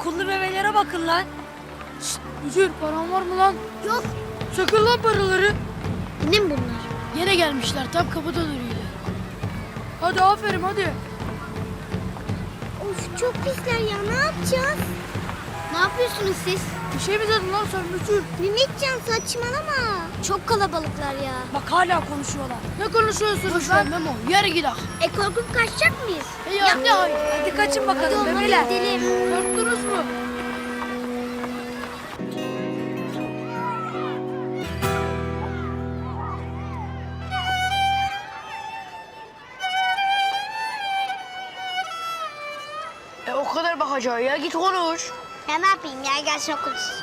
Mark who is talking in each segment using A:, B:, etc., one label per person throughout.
A: okullu bebelere bakın lan.
B: Şşt, müdür paran var mı lan?
C: Yok.
B: Sakın lan paraları.
C: Benim bunlar.
B: Yine gelmişler tam kapıda duruyorlar. Hadi aferin hadi.
C: Of çok pisler ya, ne yapacağız? Ne yapıyorsunuz siz?
B: Bir şey mi dedin lan sen müdür?
C: Mehmetcan saçmalama. Çok kalabalıklar ya.
A: Bak hala konuşuyorlar.
B: Ne konuşuyorsunuz
A: Boş
B: lan
A: ver.
B: Memo? Yere gidelim.
C: Korkup kaçacak mıyız?
B: Ya ne hayır.
A: Hadi kaçın bakalım
C: Hadi
A: bebeler.
C: gidelim.
B: Korktunuz mu? O kadar bakacağı ya git konuş.
C: Ya ne yapayım ya, gelsin okuluz.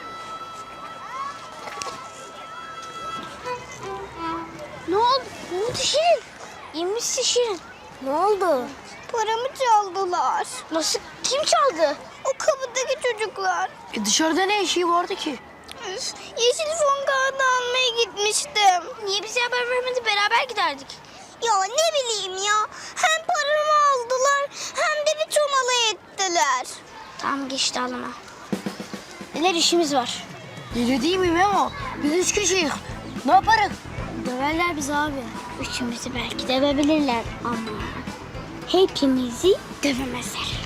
C: Ne oldu? Ne oldu Şirin? İyi misin Şirin? Ne oldu? Paramı çaldılar. Nasıl? Kim çaldı? O kapıdaki çocuklar.
B: Dışarıda ne işi vardı ki?
C: Yeşil fon kağıdı almaya gitmiştim. Niye bize haber vermedi? Beraber giderdik. Ya ne bileyim ya. Hem paramı aldılar hem de bir çomalı ettiler. Tamam geçti alama. Neler işimiz var.
B: Deli değil mi Memo? Biz 3 kişiyiz. Ne yaparız?
C: Döverler bizi abi. Üçümüzü belki dövebilirler ama hepimizi dövemezler.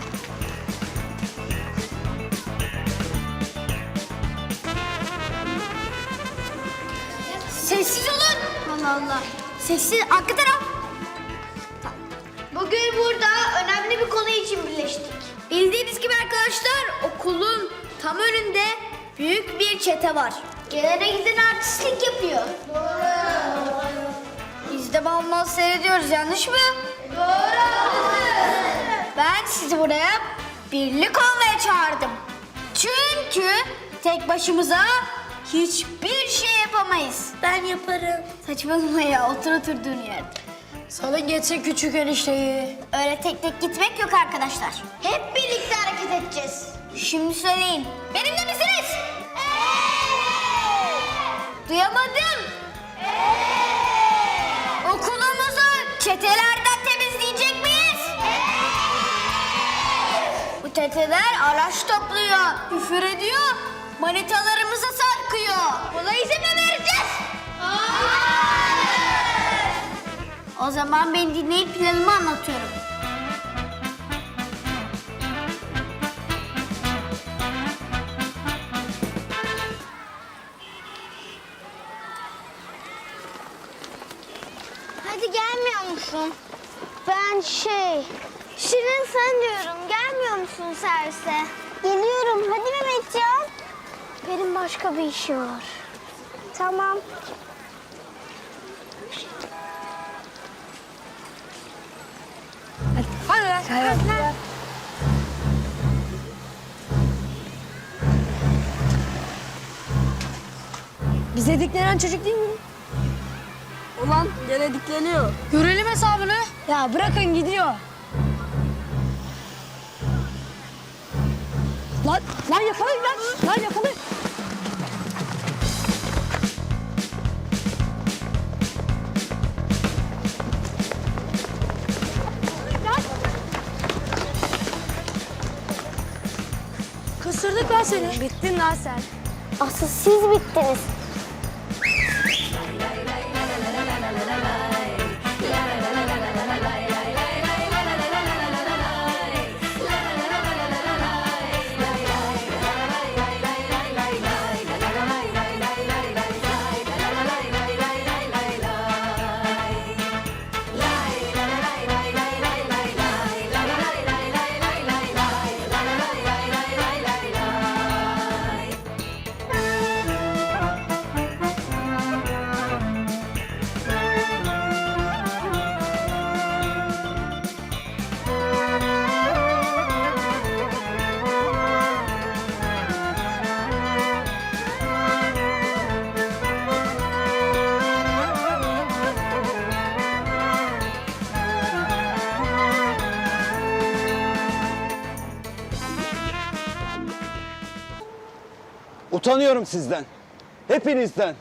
C: Sessiz olun. Allah Allah. Sessiz. Arka taraf. Bugün burada önemli bir konu için birleştik. Bildiğiniz gibi arkadaşlar okulun tam önünde büyük bir çete var. Gelene giden artistlik yapıyor. Doğru. Biz de mal mal seyrediyoruz, yanlış mı? Doğru. Ben sizi buraya birlik olmaya çağırdım. Çünkü tek başımıza hiçbir şey yapamayız. Ben yaparım. Saçmalama ya, otur oturduğun yerde.
B: Salın geçsin küçük enişteyi.
C: Öyle tek tek gitmek yok arkadaşlar. Hep birlikte hareket edeceğiz. Şimdi söyleyin. Benimle misiniz? Duyamadım. Okulumuzu çetelerden temizleyecek miyiz? Bu çeteler araç topluyor, küfür ediyor, manitalarımıza sarkıyor. Buna izin mi vereceğiz? O zaman beni dinleyip planımı anlatıyorum. Hadi gelmiyor musun? Ben Şirin sen diyorum. Gelmiyor musun servise? Geliyorum. Hadi Mehmetcan. Benim başka bir işi var. Tamam.
A: Hadi. Bize diklenen çocuk değil mi? Ulan gene dikleniyor.
B: Görelim hesabını.
A: Ya bırakın gidiyor. Lan yakalayın lan. Lan yakalayın.
B: Kısırdık lan seni.
A: Bittin lan sen.
C: Asıl siz bittiniz.
D: Utanıyorum sizden. Hepinizden.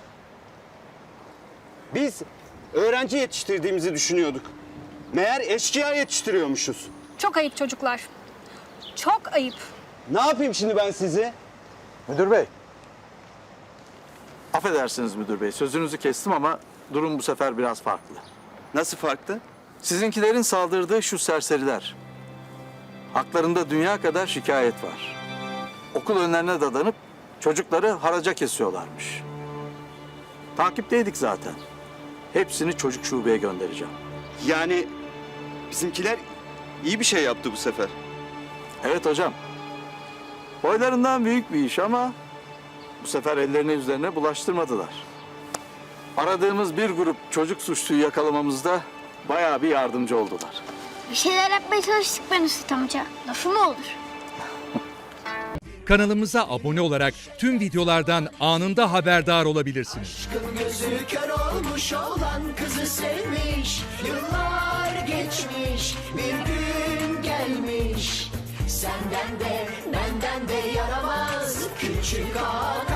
D: Biz öğrenci yetiştirdiğimizi düşünüyorduk. Meğer eşkıya yetiştiriyormuşuz.
E: Çok ayıp çocuklar. Çok ayıp.
D: Ne yapayım şimdi ben sizi?
E: Müdür bey. Affedersiniz müdür bey. Sözünüzü kestim ama durum bu sefer biraz farklı.
D: Nasıl farklı?
E: Sizinkilerin saldırdığı şu serseriler. Haklarında dünya kadar şikayet var. Okul önlerine dadanıp çocukları haraca kesiyorlarmış. Takipteydik zaten. Hepsini çocuk şubeye göndereceğim.
D: Yani bizimkiler iyi bir şey yaptı bu sefer.
E: Evet hocam. Boylarından büyük bir iş ama bu sefer ellerini üzerine bulaştırmadılar. Aradığımız bir grup çocuk suçluyu yakalamamızda bayağı bir yardımcı oldular.
C: Bir şeyler yapmaya çalıştık ben Üstad amca. Lafı mı olur?
F: Kanalımıza abone olarak tüm videolardan anında haberdar olabilirsiniz.
G: Gözü kör olmuş olan kızı sevmiş. Yıllar geçmiş, bir gün gelmiş. Senden de benden de yaramaz küçük ağa.